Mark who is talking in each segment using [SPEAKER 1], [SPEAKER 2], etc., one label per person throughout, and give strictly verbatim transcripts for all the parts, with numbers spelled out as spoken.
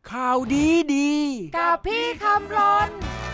[SPEAKER 1] ข่าวดีดี
[SPEAKER 2] กับพี่คำรน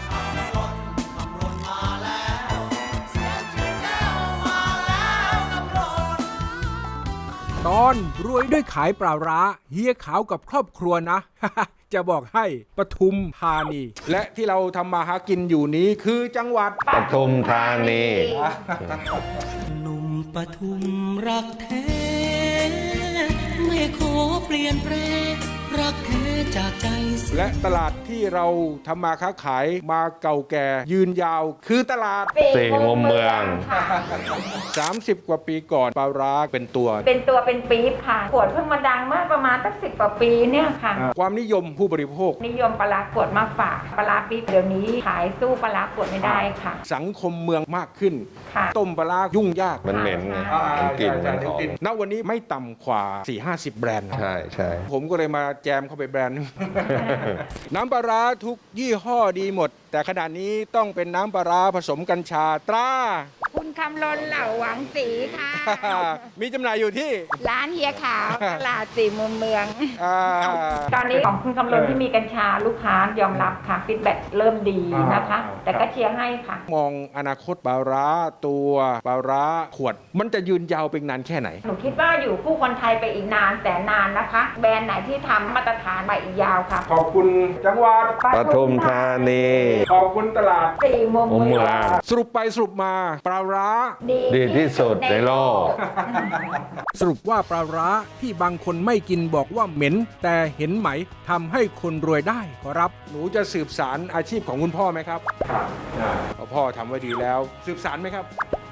[SPEAKER 1] ตอนรวยด้วยขายปลาร้าเฮียขาวกับครอบครัวนะ จะบอกให้ปทุมธานี และที่เราทำมาหากินอยู่นี้คือจังหวัด
[SPEAKER 3] ปทุมธานี
[SPEAKER 4] หนุ่มปทุมรักแท้ไม่ขอเปลี่ยนแปลงรักแท้จากใจ
[SPEAKER 1] และตลาดที่เราทำมาค้าขายมาเก่าแก่ยืนยาวคือตลาด
[SPEAKER 3] สี่มุมเมือง
[SPEAKER 1] สามสิบ กว่าปีก่อนปลาร้าเป็นตัว
[SPEAKER 2] เป็นตัวเป็นปี๊บค่ะขวดเพิ่งมาดังเมื่อประมาณตั้งสิบกว่าปีเนี่ยค่ะ
[SPEAKER 1] ความนิยมผู้บริโภค
[SPEAKER 2] นิยมปลาร้าขวดมากฝากปลาร้าปี๊บเดี๋ยวนี้ขายสู้ปลาร้าขวดไม่ได้ค่ะ
[SPEAKER 1] สังคมเมืองมากขึ้น
[SPEAKER 2] ค่ะ
[SPEAKER 1] ต้มปลาร้ายุ่งยาก
[SPEAKER 3] มันเหม็นไงมันกลิ่นมันหอม
[SPEAKER 1] ณวันนี้ไม่ต่ำกว่า สี่ห้าสิบ แบรนด์
[SPEAKER 3] ใช่ใช่
[SPEAKER 1] ผมก็เลยมาแจมเข้าไปแบรนด์ น้ำปลาร้าทุกยี่ห้อดีหมดแต่ขณะนี้ต้องเป็นน้ำปลาร้าผสมกัญชาตรา
[SPEAKER 2] คุณคำรนเหล่าหวังสีค่ะ
[SPEAKER 1] มีจำหน่ายอยู่ที่
[SPEAKER 2] ร้านเฮียขาวตลาดสี่มุมเมือง
[SPEAKER 1] อ
[SPEAKER 2] ตอนนี้ของคุณคำรนที่มีกัญชาลูกค้ายอมรับค่ะฟีดแบ็กเริ่มดีนะคะแต่ก็เชียร์ให้ค่ะ
[SPEAKER 1] มองอนาคตปลาร้าตัวปลาร้าขวดมันจะยืนยาวเป็นนานแค่ไหน
[SPEAKER 2] หนูคิดว่าอยู่คู่คนไทยไปอีกนานแสนนานนะคะแบรนด์ไหนที่ทำมาตรฐานไปอีกยาวค่ะ
[SPEAKER 1] ขอบคุณจังหวัด
[SPEAKER 3] ปทุมธานี
[SPEAKER 1] ขอบคุณตลาด
[SPEAKER 2] สี่มุมเมือง
[SPEAKER 1] สรุปไปสรุปมาปลาร้า
[SPEAKER 3] ดีที่สุดในโลก
[SPEAKER 1] สรุปว่าปลาร้าที่บางคนไม่กินบอกว่าเหม็นแต่เห็นไหมทำให้คนรวยได้ขอรับหนูจะสืบสารอาชีพของคุณพ่อไหมครับครับพ่อทำไว้ดีแล้วสืบสารไหมครับ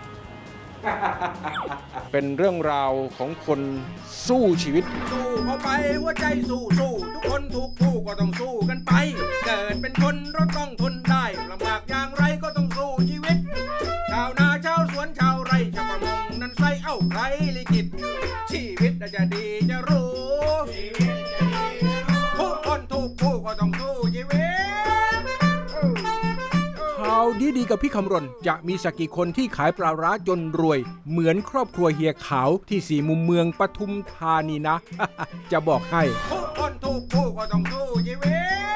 [SPEAKER 1] เป็นเรื่องราวของคนสู้ชีวิตสู้เข้าไปหัวใจสู้สู้ทุกคนทุกผู้ก็ต้องสู้กันไปเกิดเป็นคนเราต้องทนได้ลำบากอย่างไรก็ต้องสู้ชีวิตชาวนาชาวสวนชาวไร่ชาวประมงนั้นใส่เอ้าใครลิขิตชีวิตจะดีจะรู้ทุกคนทุกผู้ก็ต้องสู้ชีวิตข่าวดีๆกับพี่คำรณจะมีสักกี่คนที่ขายปลาร้าจนรวยเหมือนครอบครัวเฮียขาวที่สี่มุมเมืองปทุมธานีนะ จะบอกให้ทุกคนทุกผู้ก็ต้องสู้ชีวิต